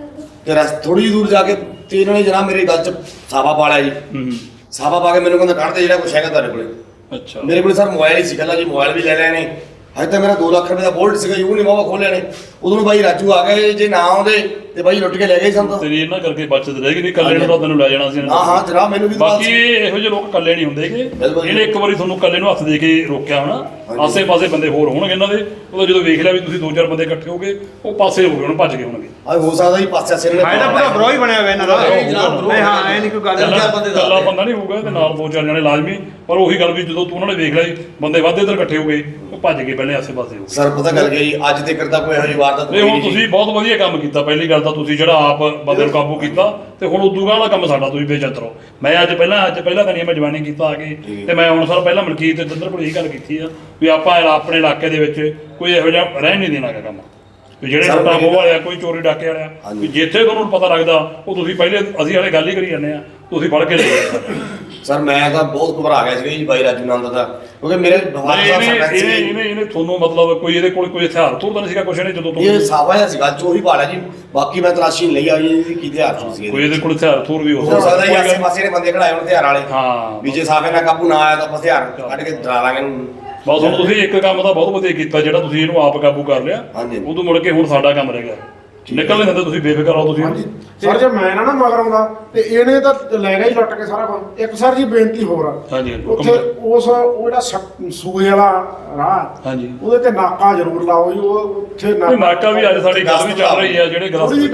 ਤੇ ਥੋੜੀ ਜਿਹੀ ਦੂਰ ਜਾ ਕੇ ਤੇ ਇਹਨਾਂ ਨੇ ਜਨਾਬ ਮੇਰੇ ਗੱਲ 'ਚ ਸਾਫਾ ਪਾ ਲਿਆ ਜੀ।
ਹੂੰ
ਸਾਫਾ ਪਾ ਕੇ ਮੈਨੂੰ ਕਹਿੰਦਾ ਕੱਢ ਦੇ ਜਿਹੜਾ ਕੁਛ ਹੈਗਾ ਤੁਹਾਡੇ ਕੋਲੇ।
ਅੱਛਾ
ਮੇਰੇ ਕੋਲ ਸਰ ਮੋਬਾਈਲ ਹੀ ਸੀ ਕੱਲਾ ਜੀ, ਮੋਬਾਈਲ ਵੀ ਲੈ ਲਿਆ ਨੇ। ਹਜੇ ਤਾਂ ਮੇਰਾ 2 ਲੱਖ ਰੁਪਏ ਦਾ ਬੋਲਟ ਸੀਗਾ ਜੀ, ਉਹ ਨਹੀਂ ਵਾਵਾ ਖੋਲਿਆ ਨੇ। ਉਦੋਂ ਨੂੰ ਬਾਈ ਰਾਜੂ ਆ ਗਏ, ਜੇ ਨਾ ਆਉਂਦੇ ਤੇ ਬਾਈ ਲੁੱਟ ਕੇ ਲੈ ਗਏ ਸਾਨੂੰ।
ਤੇਰੀ ਇਹਨਾਂ ਕਰਕੇ ਬਚਤ ਰਹਿ ਗਈ, ਨਹੀਂ ਕੱਲੇ ਨੂੰ ਤਾਂ ਤੈਨੂੰ ਲੈ ਜਾਣਾ ਸੀ ਇਹਨਾਂ ਨੇ।
ਹਾਂ ਹਾਂ ਜਨਾਬ, ਮੈਨੂੰ ਵੀ
ਬਾਕੀ ਇਹੋ ਜਿਹੇ ਲੋਕ ਕੱਲੇ ਨਹੀਂ ਹੁੰਦੇਗੇ।
ਬਿਲਕੁਲ।
ਇਹਨੇ ਇੱਕ ਵਾਰੀ ਤੁਹਾਨੂੰ ਕੱਲੇ ਨੂੰ ਹੱਥ ਦੇ ਕੇ ਰੋਕਿਆ ਹੋਣਾ, ਆਸੇ-ਪਾਸੇ ਬੰਦੇ ਹੋਰ ਹੋਣਗੇ ਇਹਨਾਂ ਦੇ। ਉਹਦਾ ਜਦੋਂ ਵੇਖ ਲਿਆ ਵੀ ਤੁਸੀਂ 2-4 ਬੰਦੇ ਇਕੱਠੇ ਹੋ ਗਏ, ਉਹ ਪਾਸੇ ਹੋ ਗਏ, ਹੁਣ ਭੱਜ ਗਏ ਹੋਣਗੇ।
ਆ ਹੋ ਸਕਦਾ ਜੀ ਪਾਸੇ ਆਸੇ ਨੇ
ਇਹਦਾ ਪੂਰਾ ਬਰੋ ਹੀ ਬਣਿਆ ਹੋਇਆ ਇਹਨਾਂ ਦਾ।
ਜਨਾਬ,
ਨਹੀਂ ਹਾਂ ਐ ਨਹੀਂ ਕੋਈ ਗੱਲ।
ਕੱਲਾ ਬੰਦਾ ਨਹੀਂ ਹੋਊਗਾ ਤੇ ਨਾਲ 2-4 ਜਣੇ ਲਾਜ਼ਮੀ। ਪਰ ਉਹੀ ਗੱਲ ਵੀ ਜਦੋਂ ਤੂੰ ਉਹਨਾਂ ਨੇ ਵੇਖ ਲਿਆ ਬੰਦੇ ਵੱਧ ਇੱਧਰ ਇਕੱਠੇ ਹੋ ਗਏ, ਉਹ ਭੱਜ ਗਏ ਪਹਿਲੇ ਆਸੇ-ਪਾਸੇ ਹੋ ਗਏ।
ਸਰ ਪਤਾ ਗੱਲ ਕੀ ਜੀ, ਅੱਜ ਤੱਕ ਤਾਂ ਕੋਈ ਇਹੋ ਜਿਹੀ ਵਾਰਦਾਤ
ਨਹੀਂ ਹੁਣ
ਹੋਈ
ਤੁਸੀਂ ਬਹੁਤ ਵਧੀਆ ਕੰਮ ਕੀਤਾ। ਪਹਿਲੀ ਗੱਲ ਤਾਂ ਤੁਸੀਂ ਜਿਹੜਾ ਆਪ ਬੰਦੇ ਨੂੰ ਕਾਬੂ ਕੀਤਾ, ਤੇ ਹੁਣ ਉਦੋਂ ਵਾਲਾ ਕੰਮ ਸਾਡਾ ਤੁਸੀਂ ਬੇਚਤ ਰਹੋ। ਮੈਂ ਅੱਜ ਪਹਿਲਾਂ ਤਾਂ ਨਹੀਂ ਮੈਂ ਜਵਾਨੀ ਕੀਤਾ ਆ ਕੇ, ਤੇ ਮੈਂ ਹੁਣ ਸਰ ਪਹਿਲਾਂ ਮਲਕੀਤ ਤੇ ਦੰਦਰ ਕੋਲ ਇਹੀ ਗੱਲ ਕੀਤੀ ਆ ਵੀ ਆਪਾਂ ਆਪਣੇ ਇਲਾਕੇ ਦੇ ਵਿੱਚ ਕੋਈ ਇਹੋ ਜਿਹਾ ਰਹਿ ਨਹੀਂ ਦੇਣਾ ਗਾ ਕੰਮ। ਵੀ ਜਿਹੜੇ ਲੁੱਟਾਂ ਖੋਹ ਵਾਲੇ ਆ, ਕੋਈ ਚੋਰੀ ਡਾਕੇ ਵਾਲੇ ਆ, ਵੀ ਜਿੱਥੇ ਤੁਹਾਨੂੰ ਪਤਾ ਲੱਗਦਾ ਉਹ ਤੁਸੀਂ ਪਹਿਲੇ ਅਸੀਂ ਵਾਲੇ ਗੱਲ ਹੀ ਕਰੀ ਜਾਂਦੇ ਆ, ਤੁਸੀਂ ਫੜ ਕੇ ਲੈ ਜਾਓ।
ਸਰ ਮੈਂ ਤਾਂ ਬਹੁਤ ਘਬਰਾ ਗਿਆ ਸੀ ਜੀ ਬਾਈ ਰਾਜੂ ਨੰਦ ਦਾ, ਕਿਉਂਕਿ ਮੇਰੇ ਬਹਾਦਰ ਸਾਹਿਬ ਸਰਪੰਚ ਸੀ।
ਇਹਨੇ ਤੁਹਾਨੂੰ ਮਤਲਬ ਕੋਈ ਇਹਦੇ ਕੋਲ ਕੋਈ ਹਥਿਆਰ ਤੋਂ ਤਾਂ ਨਹੀਂ ਸੀਗਾ ਕੁਛ ਨੇ ਜਦੋਂ
ਇਹ ਸਾਵਾ ਜਿਹਾ ਸੀਗਾ, ਚੋਰੀ ਭਾਲਿਆ ਜੀ। ਬਾਕੀ ਮੈਂ ਤਲਾਸ਼ੀ ਨਹੀਂ ਲਈ ਆ ਜੀ ਕੀ ਹਥਿਆਰ ਸੀ।
ਕੋਈ ਇਹਦੇ ਕੋਲ ਹਥਿਆਰ ਥੋਰ ਵੀ
ਹੋ ਸਕਦਾ ਜੀ ਆਸੇ ਪਾਸੇ ਦੇ ਬੰਦੇ ਖੜਾਏ ਹੋਣ ਹਥਿਆਰ ਵਾਲੇ।
ਹਾਂ
ਵੀ ਜੇ ਸਾਫੇ ਨਾਲ ਕਾਬੂ ਨਾ ਆਇਆ ਤਾਂ ਆਪਾਂ ਹਥਿਆਰ ਕੱਢ ਕੇ ਡਰਾ ਲਾਂਗੇ ਇਹਨੂੰ।
ਬਸ ਹੁਣ ਤੁਸੀਂ ਇੱਕ ਕੰਮ ਤਾਂ ਬਹੁਤ ਵਧੀਆ ਕੀਤਾ, ਜਿਹੜਾ ਤੁਸੀਂ ਇਹਨੂੰ ਆਪ ਕਾਬੂ ਕਰ ਲਿਆ। ਉਦੋਂ ਮੁੜ ਕੇ ਹੁਣ ਸਾਡਾ ਕੰਮ ਰਹਿ ਗਿਆ। ਨਿਕਲ ਨਹੀਂ ਦਿੰਦੇ ਤੁਸੀਂ, ਬੇਫਿਕਰ ਰਹੋ ਤੁਸੀਂ।
ਸਰ ਜੇ ਮੈਂ ਨਾ ਮਗਰ ਆਉਂਦਾ ਤੇ ਇਹਨੇ ਤਾਂ ਲੈ ਗਿਆ ਹੀ ਲੁੱਟ ਕੇ ਸਾਰਾ ਕੁਝ। ਇੱਕ ਸਰ ਜੀ ਬੇਨਤੀ ਹੋਰ ਆ,
ਹਾਂਜੀ
ਉੱਥੇ ਉਹ ਜਿਹੜਾ ਸੂਏ ਵਾਲਾ ਰਾਹ,
ਹਾਂਜੀ
ਉਹਦੇ ਤੇ ਨਾਕਾ ਜ਼ਰੂਰ ਲਾਓ ਜੀ। ਉਹ ਉੱਥੇ
ਨਾਕਾ ਵੀ ਅੱਜ ਸਾਡੀ ਗੱਲ ਵੀ ਚੱਲ ਰਹੀ ਆ, ਜਿਹੜੇ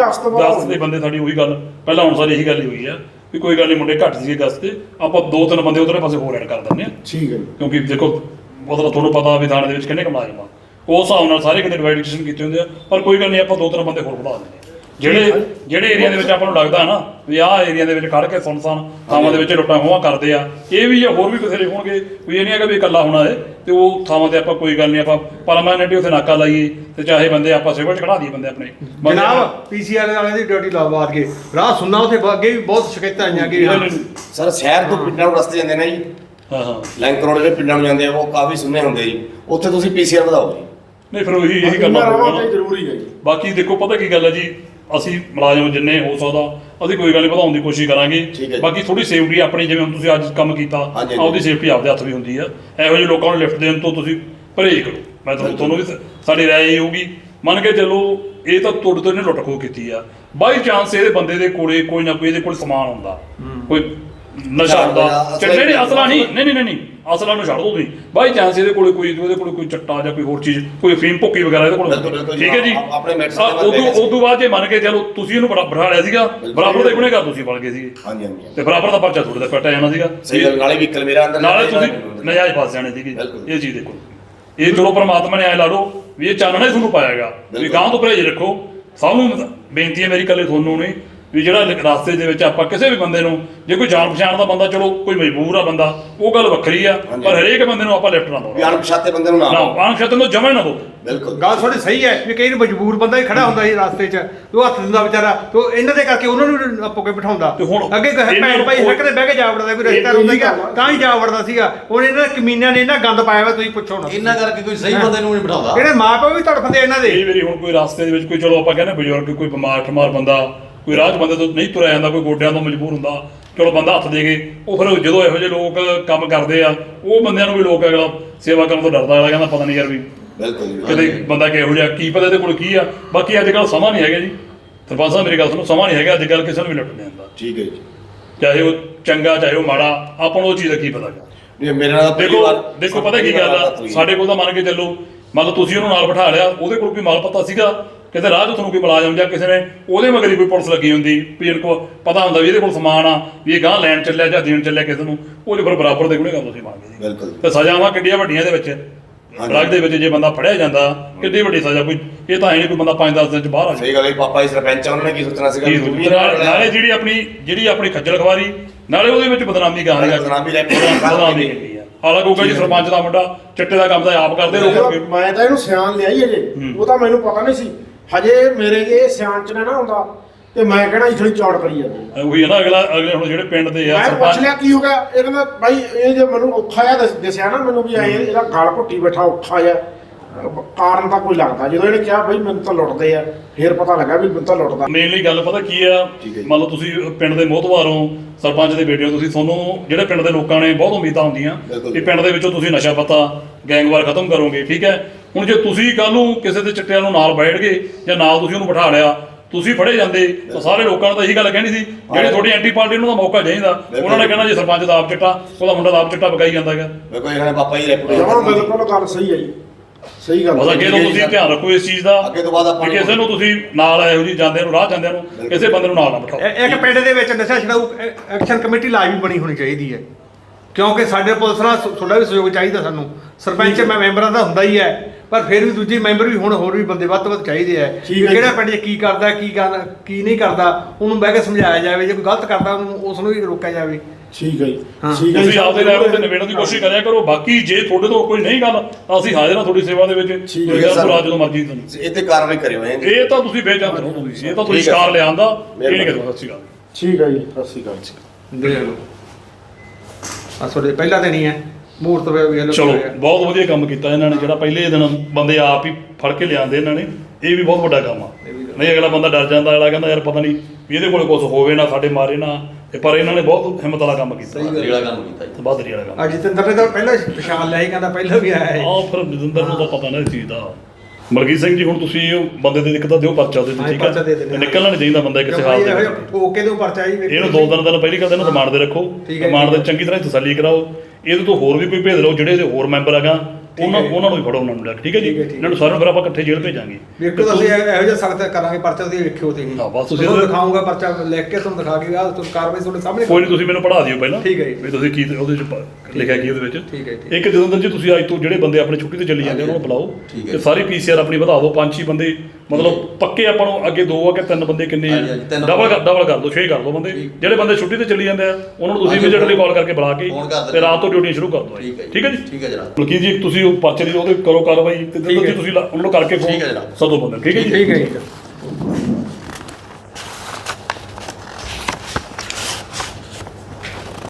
ਗਸਤ ਦੇ ਬੰਦੇ ਸਾਡੀ ਉਹੀ ਗੱਲ ਪਹਿਲਾਂ ਹੁਣ ਸਾਰੀ ਇਹੀ ਗੱਲ ਹੀ ਹੋਈ ਆ ਵੀ ਕੋਈ ਗੱਲ ਨਹੀਂ ਮੁੰਡੇ ਘੱਟ ਸੀਗੇ ਗਸਤ ਤੇ, ਆਪਾਂ 2-3 ਬੰਦੇ ਉਧਰਲੇ ਪਾਸੇ ਹੋਰ ਐਡ ਕਰ ਦਿੰਦੇ ਆ।
ਠੀਕ ਹੈ ਜੀ।
ਕਿਉਂਕਿ ਦੇਖੋ ਮਤਲਬ ਤੁਹਾਨੂੰ ਪਤਾ ਵੀ ਥਾਣੇ ਦੇ ਵਿੱਚ ਕਿੰਨੇ ਕਮਾ ਜਾਵਾਂ, ਉਸ ਹਿਸਾਬ ਨਾਲ ਸਾਰੇ ਕਿਤੇ ਡਿਵਾਈਡੇਸ਼ਨ ਕੀਤੇ ਹੁੰਦੇ ਆ। ਪਰ ਕੋਈ ਗੱਲ ਨਹੀਂ, ਆਪਾਂ 2-3 ਬੰਦੇ ਹੋਰ ਵਧਾ ਦਿੰਦੇ ਆ। ਜਿਹੜੇ ਏਰੀਆ ਦੇ ਵਿੱਚ ਆਪਾਂ ਨੂੰ ਲੱਗਦਾ ਨਾ ਵੀ ਆਹ ਏਰੀਆ ਦੇ ਵਿੱਚ ਖੜ ਕੇ ਸੁਨਸਾਨ ਥਾਵਾਂ ਦੇ ਵਿੱਚ ਲੁੱਟਾਂ ਖੋਹਾਂ ਕਰਦੇ ਆ, ਇਹ ਵੀ ਹੋਰ ਵੀ ਬਥੇਰੇ ਹੋਣਗੇ। ਵੀ ਇਹ ਨਹੀਂ ਹੈਗਾ ਵੀ ਇਕੱਲਾ ਹੋਣਾ ਹੈ, ਤੇ ਉਹ ਥਾਵਾਂ ਤੇ ਆਪਾਂ ਕੋਈ ਗੱਲ ਨਹੀਂ, ਆਪਾਂ ਪਰਮਾਨੈਂਟ ਉੱਥੇ ਨਾਕਾ ਲਾਈਏ, ਤੇ ਚਾਹੇ ਬੰਦੇ ਆਪਾਂ ਸਿਵਲ 'ਚ ਖੜਾ ਦਈਏ ਬੰਦੇ ਆਪਣੇ।
ਜਨਾਬ ਪੀਸੀਆਰ ਵਾਲਿਆਂ ਦੀ ਡਿਊਟੀ ਲਾਵਾਦ ਕੇ ਰਾਹ ਸੁਣਨਾ, ਉੱਥੇ ਅੱਗੇ ਵੀ ਬਹੁਤ ਸ਼ਿਕਾਇਤਾਂ ਆਈਆਂ ਕਿ
ਸਰ ਸ਼ਹਿਰ ਤੋਂ ਪਿੰਡਾਂ ਨੂੰ ਰਸਤੇ ਜਾਂਦੇ ਨੇ ਜੀ,
ਹਾਂ
ਲਿੰਕ ਰੋਡ ਦੇ ਪਿੰਡਾਂ ਨੂੰ ਜਾਂਦੇ ਆ, ਉਹ ਕਾਫੀ ਸੁੰਨੇ ਹੁੰਦੇ ਜੀ। ਉੱਥੇ ਤੁਸੀਂ ਪੀਸੀਆਰ ਵਧਾਓ ਜੀ।
ਨਹੀਂ ਫਿਰ ਉਹੀ ਇਹੀ ਗੱਲ ਆ।
ਜ਼ਰੂਰੀ ਹੈ ਜੀ।
ਬਾਕੀ ਦੇਖੋ ਪਤਾ ਕੀ ਗੱਲ ਹੈ ਜੀ, ਅਸੀਂ ਮੁਲਾਜ਼ਮ ਜਿੰਨੇ ਹੋ ਸਕਦਾ ਅਸੀਂ ਕੋਈ ਗੱਲ ਨਹੀਂ ਵਧਾਉਣ ਦੀ ਕੋਸ਼ਿਸ਼ ਕਰਾਂਗੇ। ਬਾਕੀ ਥੋੜੀ ਸੇਫਟੀ ਆਪਣੀ, ਜਿਵੇਂ ਹੁਣ ਤੁਸੀਂ ਅੱਜ ਕੰਮ ਕੀਤਾ, ਆਪਦੀ ਸੇਫਟੀ ਆਪਦੇ ਹੱਥ ਵੀ ਹੁੰਦੀ ਆ। ਇਹੋ ਜਿਹੇ ਲੋਕਾਂ ਨੂੰ ਲਿਫਟ ਦੇਣ ਤੋਂ ਤੁਸੀਂ ਪਰਹੇਜ਼ ਕਰੋ। ਮੈਂ ਤੁਹਾਨੂੰ ਵੀ ਸਾਡੀ ਰਾਏ ਇਹ ਹੋਊਗੀ, ਮੰਨ ਕੇ ਚੱਲੋ ਇਹ ਤਾਂ ਤੁਹਾਡੇ ਤੋਂ ਇਹਨੇ ਲੁੱਟ ਖੋਹ ਕੀਤੀ ਆ, ਬਾਈ ਚਾਂਸ ਇਹਦੇ ਬੰਦੇ ਦੇ ਕੋਲੇ ਕੋਈ ਨਾ ਕੋਈ ਇਹਦੇ ਕੋਲ ਸਮਾਨ ਹੁੰਦਾ, ਕੋਈ ਨਸ਼ਾ ਹੁੰਦਾ। ਨਹੀਂ ਅਸਲਾ ਨਹੀਂ ਅਸਲਾ ਨੂੰ ਛੱਡ ਦੋ ਤੁਸੀਂ, ਬਾਈ ਚਾਂਸ ਇਹਦੇ ਕੋਲੇ ਕੋਈ ਚੱਟਾ ਜਾਂ ਕੋਈ ਹੋਰ ਚੀਜ਼, ਕੋਈ ਫੀਮ ਭੁੱਕੀ ਵਗੈਰਾ ਇਹਦੇ ਕੋਲ, ਠੀਕ ਹੈ ਜੀ। ਉਦੋਂ ਬਾਅਦ ਜੇ ਮੰਨ ਕੇ ਚਲੋ ਤੁਸੀਂ ਇਹਨੂੰ ਬਿਠਾ ਲਿਆ ਸੀਗਾ, ਬਰਾਬਰ ਦੇ ਗੁਨੇਗਾਰ ਤੁਸੀਂ ਬਣ ਗਏ ਸੀਗੇ, ਤੇ ਬਰਾਬਰ ਦਾ ਪਰਚਾ ਤੁਹਾਡੇ ਦਾ ਕੱਟਿਆ ਜਾਣਾ ਸੀਗਾ।
ਨਾਲੇ ਵਹੀਕਲ ਮੇਰਾ ਅੰਦਰ,
ਨਾਲੇ ਤੁਸੀਂ ਨਜਾਇਜ਼ ਫਸ ਜਾਣੇ ਸੀਗੇ। ਇਹ ਚੀਜ਼ ਦੇਖੋ, ਇਹ ਚਲੋ ਪਰਮਾਤਮਾ ਨੇ ਐ ਲਾ ਲਓ ਵੀ ਇਹ ਚਾਨਣਾ ਹੀ ਤੁਹਾਨੂੰ ਪਾਇਆਗਾ ਵੀ ਗਾਂ ਤੋਂ ਪਰਹੇਜ਼ ਰੱਖੋ। ਸਭ ਨੂੰ ਬੇਨਤੀ ਹੈ ਮੇਰੀ, ਇਕੱਲੇ ਤੁਹਾਨੂੰ ਨਹੀਂ, ਵੀ ਜਿਹੜਾ ਰਸਤੇ ਦੇ ਵਿੱਚ ਆਪਾਂ ਕਿਸੇ ਵੀ ਬੰਦੇ ਨੂੰ, ਜੇ ਕੋਈ ਜਾਣ ਪਛਾਣ ਦਾ ਬੰਦਾ, ਚਲੋ ਕੋਈ ਮਜਬੂਰ ਆ ਬੰਦਾ, ਉਹ ਗੱਲ ਵੱਖਰੀ ਆ, ਪਰ ਹਰੇਕ ਬੰਦੇ ਨੂੰ ਆਪਾਂ ਲਿਫਟ ਨਾ ਦਿਓ।
ਅਣਪਛਾਤੇ ਬੰਦੇ ਨੂੰ ਨਾ
ਅਣਪਛਾਤੇ ਨੂੰ ਜਮਾ ਨਾ ਦਿਓ।
ਬਿਲਕੁਲ
ਗੱਲ ਤੁਹਾਡੀ ਸਹੀ ਹੈ ਵੀ ਕਈ ਮਜਬੂਰ ਬੰਦਾ ਹੀ ਖੜਾ ਹੁੰਦਾ ਸੀ ਰਸਤੇ 'ਚ, ਉਹ ਹੱਥ ਦਿੰਦਾ ਵਿਚਾਰਾ, ਤੇ ਇਹਨਾਂ ਦੇ ਕਰਕੇ ਉਹਨਾਂ ਨੂੰ ਆਪੋ ਕੇ ਬਿਠਾਉਂਦਾ। ਅੱਗੇ ਭੈਣ ਭਾਈ ਹੱਕ ਦੇ ਬਹਿ ਕੇ ਜਾ ਵੜਦਾ, ਕੋਈ ਰਿਸ਼ਤਾ ਹੁੰਦਾ ਸੀਗਾ ਤਾਂ ਹੀ ਜਾ ਵੜਦਾ ਸੀਗਾ। ਹੁਣ ਇਹਨਾਂ ਦੇ ਕਮੀਨਿਆਂ ਨੇ ਇਹਨਾਂ ਗੰਦ ਪਾਇਆ ਵਾ, ਤੁਸੀਂ ਪੁੱਛੋ ਨਾ।
ਇਹਨਾਂ ਕਰਕੇ ਕੋਈ ਸਹੀ ਬੰਦੇ ਨੂੰ ਨਹੀਂ ਬਿਠਾਉਂਦਾ।
ਜਿਹੜੇ ਮਾਂ ਪਿਓ ਵੀ ਤੜਫਦੇ ਇਹਨਾਂ ਦੇ।
ਕਈ ਵਾਰੀ ਹੁਣ ਕੋਈ ਰਸਤੇ ਦੇ ਵਿੱਚ ਕੋਈ, ਚਲੋ ਆਪਾਂ ਕਹਿੰਦੇ ਬਜ਼ੁਰਗ, ਕੋਈ ਬਿਮਾਰ ਠਮਾਰ ਬੰਦਾ, ਕੋਈ ਰਾਹ 'ਚ ਬੰਦੇ ਤੋਂ ਨਹੀਂ ਤੁਰਿਆ ਜਾਂਦਾ, ਕੋਈ ਗੋਡਿਆਂ ਤੋਂ ਮਜਬੂਰ ਹੁੰਦਾ, ਚਲੋ ਬੰਦਾ ਹੱਥ ਦੇ ਗਏ। ਉਹ ਫਿਰ ਜਦੋਂ ਇਹੋ ਜਿਹੇ ਲੋਕ ਕੰਮ ਕਰਦੇ ਆ, ਉਹ ਬੰਦਿਆਂ ਨੂੰ ਵੀ ਲੋਕ ਅਗਲਾ ਸੇਵਾ ਕਰਨ ਤੋਂ ਡਰਦਾ, ਅਗਲਾ ਕਹਿੰਦਾ ਪਤਾ ਨਹੀਂ ਯਾਰ ਵੀ ਕਿਤੇ ਬੰਦਾ ਕਿਹੋ ਜਿਹਾ, ਕੀ ਪਤਾ ਇਹਦੇ ਕੋਲ ਕੀ ਆ। ਬਾਕੀ ਅੱਜ ਕੱਲ੍ਹ ਸਮਾਂ ਨਹੀਂ ਹੈਗਾ ਜੀ, ਸਰਪੰਚ ਸਾਹਿਬ ਮੇਰੀ ਗੱਲ ਸੁਣੋ, ਸਮਾਂ ਨਹੀਂ ਹੈਗਾ ਅੱਜ ਕੱਲ੍ਹ ਕਿਸੇ ਨੂੰ ਵੀ ਲੁੱਟ ਨਹੀਂ ਆਉਂਦਾ। ਠੀਕ ਹੈ ਜੀ, ਚਾਹੇ ਉਹ ਚੰਗਾ ਚਾਹੇ ਉਹ ਮਾੜਾ, ਆਪਾਂ ਨੂੰ ਉਹ ਚੀਜ਼ ਦਾ ਕੀ ਪਤਾ ਗਾ। ਦੇਖੋ ਪਤਾ ਕੀ ਗੱਲ ਆ, ਸਾਡੇ ਕੋਲ ਤਾਂ ਮੰਨ ਕੇ ਚੱਲੋ, ਮੰਨ ਲਓ ਤੁਸੀਂ ਉਹਨੂੰ ਨਾਲ ਬਿਠਾ ਲਿਆ, ਉਹਦੇ ਕੋਲ ਕੋਈ ਮਾਲ ਪਤਾ ਸੀਗਾ, ਕਿਤੇ ਰਾਹ 'ਚ ਤੁਹਾਨੂੰ ਕੋਈ ਮੁਲਾਜ਼ਮ ਜਾਂ ਕਿਸੇ ਨੇ ਉਹਦੇ ਮਗਰ ਹੀ ਕੋਈ ਪੁਲਿਸ ਲੱਗੀ ਹੁੰਦੀ, ਵੀ ਇਹਨੂੰ ਕੋਲ ਪਤਾ ਹੁੰਦਾ ਵੀ ਇਹਦੇ ਕੋਲ ਸਮਾਨ ਆ, ਵੀ ਇਹ ਗਾਂਹ ਲੈਣ ਚੱਲਿਆ ਜਾਂ ਦੇਣ ਚੱਲਿਆ ਕਿਸੇ ਨੂੰ, ਉਹਦੇ ਫਿਰ ਬਰਾਬਰ ਦੇ ਗੁਨੇਗਾਰ ਤੁਸੀਂ ਮੰਗਦੇ ਜੀ। ਤੇ ਸਜ਼ਾਵਾਂ ਕਿੱਡੀਆਂ ਵੱਡੀਆਂ ਦੇ ਵਿੱਚ, ਡਰੱਗ ਦੇ ਵਿੱਚ ਜੇ ਬੰਦਾ ਫੜਿਆ ਜਾਂਦਾ, ਕਿੱਡੀ ਵੱਡੀ ਸਜ਼ਾ। ਕੋਈ ਇਹ ਤਾਂ ਹੈ ਨਹੀਂ ਕੋਈ ਬੰਦਾ 5-10 ਦਿਨ 'ਚ ਬਾਹਰ ਆ ਜਾਏ।
ਸਹੀ ਗੱਲ ਹੈ, ਪਾਪਾ ਜੀ ਸਰਪੰਚ ਉਹਨਾਂ ਨੇ ਕੀ ਸੋਚਣਾ ਸੀਗਾ।
ਨਾਲੇ ਜਿਹੜੀ ਆਪਣੀ ਖੱਜਲ ਖਵਾਰੀ, ਨਾਲੇ ਉਹਦੇ ਵਿੱਚ ਬਦਨਾਮੀ ਗਾਂ ਦੀ ਬਦਨਾਮੀ ਹੈਗੀ ਆ। ਹਾਲਾਂਕਿ ਉਹ ਜੀ ਸਰਪੰਚ ਦਾ ਮੁੰਡਾ ਚਿੱਟੇ ਦਾ ਕੰਮ ਤਾਂ ਆਪ ਕਰਦੇ ਲੋਕ।
ਮੈਂ ਤਾਂ ਇਹਨੂੰ ਸਿਆਣ ਲਿਆ ਹੀ ਅਜੇ, ਉਹ ਤਾਂ ਮੈਨੂੰ ਪਤਾ ਨਹੀਂ ਸੀ ਹਜੇ। ਮੇਰੇ ਇਹ ਸਿਆਣ 'ਚ ਨਾ ਹੁੰਦਾ ਤੇ ਮੈਂ ਕਹਿਣਾ ਇਥੋਂ ਚੌੜ ਕਰੀ ਜਾਂਦੇ।
ਉਹੀ ਹੈ ਨਾ, ਅਗਲੇ ਹੁਣ ਜਿਹੜੇ ਪਿੰਡ ਦੇ ਆ,
ਮੈਂ ਪੁੱਛ ਲਿਆ ਕੀ ਹੋ ਗਿਆ, ਇਹ ਕਹਿੰਦਾ ਬਾਈ ਇਹ ਜੇ ਮੈਨੂੰ ਔਖਾ ਜਿਹਾ ਦੱਸਿਆ ਨਾ ਮੈਨੂੰ ਵੀ ਇਹਦਾ ਗਲ ਘੁੱਟੀ ਬੈਠਾ ਔਖਾ ਜਿਹਾ, ਕਾਰਨ ਤਾਂ ਕੋਈ ਲੱਗਦਾ ਜਦੋਂ ਇਹਨੇ ਕਿਹਾ ਬਈ ਮੈਨੂੰ ਤਾਂ ਲੁੱਟਦੇ ਆ ਫੇਰ ਪਤਾ ਲੱਗਾ ਵੀ ਮੈਨੂੰ ਤਾਂ ਲੁੱਟਦਾ।
ਮੇਨਲੀ ਗੱਲ ਪਤਾ ਕੀ ਆ, ਮੰਨ ਲਓ ਤੁਸੀਂ ਪਿੰਡ ਦੇ ਮੋਹਤਵਾਰ ਹੋ, ਸਰਪੰਚ ਦੇ ਬੇਟੇ ਹੋ ਤੁਸੀਂ, ਤੁਹਾਨੂੰ ਜਿਹੜੇ ਪਿੰਡ ਦੇ ਲੋਕਾਂ ਨੇ ਬਹੁਤ ਉਮੀਦਾਂ ਹੁੰਦੀਆਂ ਕਿ ਪਿੰਡ ਦੇ ਵਿੱਚੋਂ ਤੁਸੀਂ ਨਸ਼ਾ ਪਤਾ ਗੈਂਗਵਾਰ ਖਤਮ ਕਰੋਗੇ, ਠੀਕ ਹੈ। ਹੁਣ ਜੇ ਤੁਸੀਂ ਕੱਲ ਨੂੰ ਕਿਸੇ ਦੇ ਚਿੱਟਿਆਂ ਨੂੰ ਨਾਲ ਬੈਠ ਗਏ ਜਾਂ ਨਾਲ ਤੁਸੀਂ ਉਹਨੂੰ ਬਿਠਾ ਲਿਆ, ਤੁਸੀਂ ਫੜੇ ਜਾਂਦੇ ਤਾਂ ਸਾਰੇ ਲੋਕਾਂ ਨੇ ਤਾਂ ਇਹੀ ਗੱਲ ਕਹਿਣੀ ਸੀ ਜਿਹੜੀ ਤੁਹਾਡੀ ਐਂਟੀ ਪਾਰਟੀ ਨੂੰ ਦਾ ਮੌਕਾ ਚਾਹੀਦਾ। ਉਹਨਾਂ ਨੇ ਕਹਿਣਾ ਜੇ ਸਰਪੰਚ ਦਾ ਆਪ ਚਿੱਟਾ, ਉਹਦਾ ਮੁੰਡਾ ਦਾ ਆਪ ਚਿੱਟਾ ਵਿਕਾਈ ਜਾਂਦਾ ਹੈਗਾ।
ਵੇਖੋ ਇਹਨਾਂ ਨੇ ਪਾਪਾ ਜੀ
ਜਮਾਂ
ਰੈਪੂਟੇਸ਼ਨ
ਬਿਲਕੁਲ ਗੱਲ ਸਹੀ ਹੈ ਜੀ, ਸਹੀ ਗੱਲ
ਬਸ ਅੱਗੇ ਤੋਂ ਤੁਸੀਂ ਧਿਆਨ ਰੱਖੋ ਇਸ ਚੀਜ਼ ਦਾ,
ਅੱਗੇ ਤੋਂ ਬਾਅਦ ਆਪਾਂ
ਕਿ ਕਿਸੇ ਨੂੰ ਤੁਸੀਂ ਨਾਲ ਇਹੋ ਜਿਹੀ ਜਾਂਦੇ ਨੂੰ ਰਾਹ ਜਾਂਦਿਆਂ ਨੂੰ ਕਿਸੇ ਬੰਦੇ ਨੂੰ ਨਾਲ ਨਾ ਬਿਠਾਓ।
ਇੱਕ ਪਿੰਡ ਦੇ ਵਿੱਚ ਨਸ਼ਾ ਛਡਾਊ ਐਕਸ਼ਨ ਕਮੇਟੀ ਲਾਜ਼ਮੀ ਬਣੀ ਹੋਣੀ ਚਾਹੀਦੀ ਹੈ, ਕਿਉਂਕਿ ਸਾਡੇ ਪੁਲਿਸ ਨਾਲ ਤੁਹਾਡਾ ਵੀ ਸਹਿਯੋਗ ਚਾਹੀਦਾ ਸਾਨੂੰ। ਸਰਪੰਚ ਮੈਂਬਰਾਂ ਦਾ ਹੁੰਦਾ ਹੀ ਹੈ, ਪਰ ਫਿਰ ਵੀ ਦੂਜੇ ਮੈਂਬਰ ਵੀ ਹੁਣ ਹੋਰ ਵੀ ਬੰਦੇ ਵੱਧ ਤੋਂ ਵੱਧ ਚਾਹੀਦੇ ਆ ਕਿ ਕਿਹੜਾ ਪਿੰਡ 'ਚ ਕੀ ਕਰਦਾ ਕੀ ਨਹੀਂ ਕਰਦਾ, ਉਹਨੂੰ ਬਹਿ ਕੇ ਸਮਝਾਇਆ ਜਾਵੇ। ਜੇ ਕੋਈ ਗਲਤ ਕਰਦਾ ਉਹਨੂੰ ਉਸ ਨੂੰ ਵੀ ਰੋਕਿਆ ਜਾਵੇ।
ਠੀਕ ਹੈ ਜੀ, ਠੀਕ ਹੈ
ਤੁਸੀਂ ਆਪਦੇ ਲੈਵਲ ਤੇ ਨਿਬੇੜਨ ਦੀ ਕੋਸ਼ਿਸ਼ ਕਰਿਆ ਕਰੋ। ਬਾਕੀ ਜੇ ਤੁਹਾਡੇ ਤੋਂ ਕੋਈ ਨਹੀਂ ਗੱਲ ਤਾਂ ਅਸੀਂ ਹਾਜ਼ਰ ਹਾਂ ਤੁਹਾਡੀ ਸੇਵਾ ਦੇ ਵਿੱਚ।
ਠੀਕ ਹੈ
ਤੁਸੀਂ
ਸਰ।
ਰਾਤ ਜਦੋਂ ਮਰਜ਼ੀ ਤੁਹਾਨੂੰ
ਇਹ ਤੇ ਕਾਰਵਾਈ ਕਰਿਓ
ਇਹ ਤਾਂ ਤੁਸੀਂ ਬੇਚੰਦ ਹੋ, ਤੁਸੀਂ ਇਹ ਤਾਂ ਤੁਸੀਂ
ਠੀਕ ਹੈ
ਸ਼ਿਕਾਰ
ਸਰ।
ਲਿਆਂਦਾ ਇਹ ਨਹੀਂ
ਮਿਹਰਬਾਨੀ।
ਕਰਦਾ। ਸਤਿ ਸ਼੍ਰੀ ਅਕਾਲ।
ਠੀਕ ਹੈ ਜੀ, ਸਤਿ ਸ਼੍ਰੀ ਅਕਾਲ।
ਦੇਖ ਲਓ ਆ ਤੁਹਾਡੇ ਪਹਿਲਾ ਦਿਨ ਹੀ ਹੈ ਮੂਰਤ ਵੇਖ ਲਓ।
ਚਲੋ ਬਹੁਤ ਵਧੀਆ ਕੰਮ ਕੀਤਾ ਇਹਨਾਂ ਨੇ, ਜਿਹੜਾ ਪਹਿਲੇ ਦਿਨ ਬੰਦੇ ਆਪ ਹੀ ਫੜ ਕੇ ਲਿਆਂਦੇ ਇਹਨਾਂ ਨੇ, ਇਹ ਵੀ ਬਹੁਤ ਵੱਡਾ ਕੰਮ ਆ। ਨਹੀਂ ਅਗਲਾ ਬੰਦਾ ਡਰ ਜਾਂਦਾ, ਅਗਲਾ ਕਹਿੰਦਾ ਯਾਰ ਪਤਾ ਨਹੀਂ ਵੀ ਇਹਦੇ ਕੋਲ ਕੁਝ ਹੋਵੇ ਨਾ, ਸਾਡੇ ਮਾਰੇ ਨਾ, ਪਰ ਇਹਨਾਂ ਨੇ ਬਹੁਤ ਹਿੰਮਤ ਵਾਲਾ ਕੰਮ ਕੀਤਾ।
ਜਿਹੜਾ ਕੰਮ ਕੀਤਾ ਜੀ।
ਬਹੁਤ ਵਧੀਆ ਕੰਮ।
ਆ ਜਤਿੰਦਰ ਨੇ ਤਾਂ ਪਹਿਲਾਂ ਪਛਾਣ ਲਿਆ ਸੀ, ਕਹਿੰਦਾ ਪਹਿਲਾਂ ਵੀ ਆਇਆ ਹੈ।
ਆਹ ਫਿਰ ਜਤਿੰਦਰ ਨੂੰ ਤਾਂ ਪਤਾ ਨਾ ਇਸ ਚੀਜ਼ ਦਾ। ਮਲਕੀਤ ਸਿੰਘ ਜੀ ਹੁਣ ਤੁਸੀਂ ਉਹ ਬੰਦੇ ਦੇ ਇੱਕ ਤਾਂ ਦਿਓ ਪਰਚਾ ਉਹਦੇ ਤੇ, ਠੀਕ
ਪਰਚਾ ਦੇ ਦਿੰਦੇ
ਹੈ।
ਹਾਂ।
ਨਿਕਲਣਾ ਨਹੀਂ ਚਾਹੀਦਾ ਬੰਦਾ ਕਿਸੇ ਹਾਲ ਦੇ ਵਿੱਚ।
ਠੋਕੇ ਦੇ ਪਰਚਾ ਜੀ
ਇਹਨੂੰ 2 ਦਿਨ ਪਹਿਲੀ ਗੱਲ ਇਹਨੂੰ ਰਿਮਾਂਡ ਤੇ ਰੱਖੋ,
ਠੀਕ ਹੈ।
ਰਿਮਾਂਡ ਦੇ ਚੰਗੀ ਤਰ੍ਹਾਂ ਤਸੱਲੀ ਕਰਾਓ। ਇਹਦੇ ਤੋਂ ਹੋਰ ਵੀ ਕੋਈ ਭੇਜ ਲਓ, ਜਿਹੜੇ ਇਹਦੇ ਹੋਰ ਮੈਂਬਰ ਹੈਗਾ ਉਹਨਾਂ ਨੂੰ ਵੀ ਫੜੋ, ਉਹਨਾਂ ਨੂੰ ਲੈ ਕੇ, ਠੀਕ ਹੈ ਜੀ। ਇਹਨਾਂ ਨੂੰ ਸਾਰਿਆਂ ਨੂੰ ਫਿਰ ਆਪਾਂ ਇਕੱਠੇ ਜੇਲ੍ਹ ਭੇਜਾਂਗੇ।
ਵੇਖੋ ਤਾਂ ਅਸੀਂ ਇਹੋ ਜਿਹਾ ਸਖਤ ਕਰਾਂਗੇ ਪਰਚਾ ਤੁਸੀਂ ਵੇਖਿਓ ਤੁਸੀਂ।
ਹਾਂ, ਬਸ ਤੁਸੀਂ
ਤੁਹਾਨੂੰ ਦਿਖਾਊਂਗਾ ਪਰਚਾ ਲਿਖ ਕੇ, ਤੁਹਾਨੂੰ ਦਿਖਾ ਕੇ ਆਹ ਤੁਹਾਨੂੰ ਕਾਰਵਾਈ ਤੁਹਾਡੇ ਸਾਹਮਣੇ
ਕੋਈ ਨਹੀਂ, ਤੁਸੀਂ ਮੈਨੂੰ ਪੜ੍ਹਾ ਦਿਓ ਪਹਿਲਾਂ,
ਠੀਕ ਹੈ ਜੀ।
ਵੀ ਤੁਸੀਂ ਕੀ ਉਹਦੇ ਚ ਲਿਖਿਆ ਕੀ ਉਹਦੇ ਵਿੱਚ।
ਠੀਕ ਹੈ ਜੀ।
ਇੱਕ ਜਤਿੰਦਰ ਜੀ ਤੁਸੀਂ ਅੱਜ ਤੋਂ ਜਿਹੜੇ ਬੰਦੇ ਆਪਣੇ ਛੁੱਟੀ ਤੇ ਚੱਲੀ ਜਾਂਦੇ ਉਹਨਾਂ ਨੂੰ ਬੁਲਾਓ
ਠੀਕ ਹੈ।
ਤੇ ਸਾਰੀ ਪੀਸੀਆਰ ਆਪਣੀ ਵਧਾ ਦਿਓ, 5-6 ਬੰਦੇ ਮਤਲਬ ਪੱਕੇ। ਆਪਾਂ ਨੂੰ ਅੱਗੇ 2 ਆ ਕਿ 3 ਬੰਦੇ ਕਿੰਨੇ
ਹਾਂਜੀ, ਹਾਂਜੀ, ਤਿੰਨ
ਡਬਲ ਕਰ ਦਿਓ, 6 ਕਰ ਦਿਓ ਬੰਦੇ। ਜਿਹੜੇ ਬੰਦੇ ਛੁੱਟੀ ਤੇ ਚੱਲੀ ਜਾਂਦੇ ਆ ਉਹਨਾਂ ਨੂੰ ਤੁਸੀਂ
ਹਾਂਜੀ,
ਇਮੀਡੀਏਟਲੀ ਕਾਲ ਕਰਕੇ ਬੁਲਾ ਕੇ
ਫੋਨ ਕਰ ਦਿਓ।
ਤੇ ਰਾਤ ਤੋਂ ਡਿਊਟੀ ਸ਼ੁਰੂ ਕਰ ਦਿਓ।
ਠੀਕ ਹੈ ਜੀ।
ਠੀਕ ਹੈ ਜੀ।
ਠੀਕ ਹੈ ਜਨਾਬ।
ਬਲਕਿ ਜੀ ਤੁਸੀਂ ਉਹ ਪਰਚੇ ਦੀ ਉਹਦੇ ਕਰੋ ਕਾਰਵਾਈ ਤੇ
ਠੀਕ ਹੈ।
ਤੁਸੀਂ ਉਹਨੂੰ ਕਰਕੇ
ਠੀਕ ਹੈ
ਫੋਨ
ਜਨਾਬ।
ਸਦੋ ਬੰਦੇ, ਠੀਕ ਹੈ ਜੀ।
ਠੀਕ ਹੈ ਜੀ।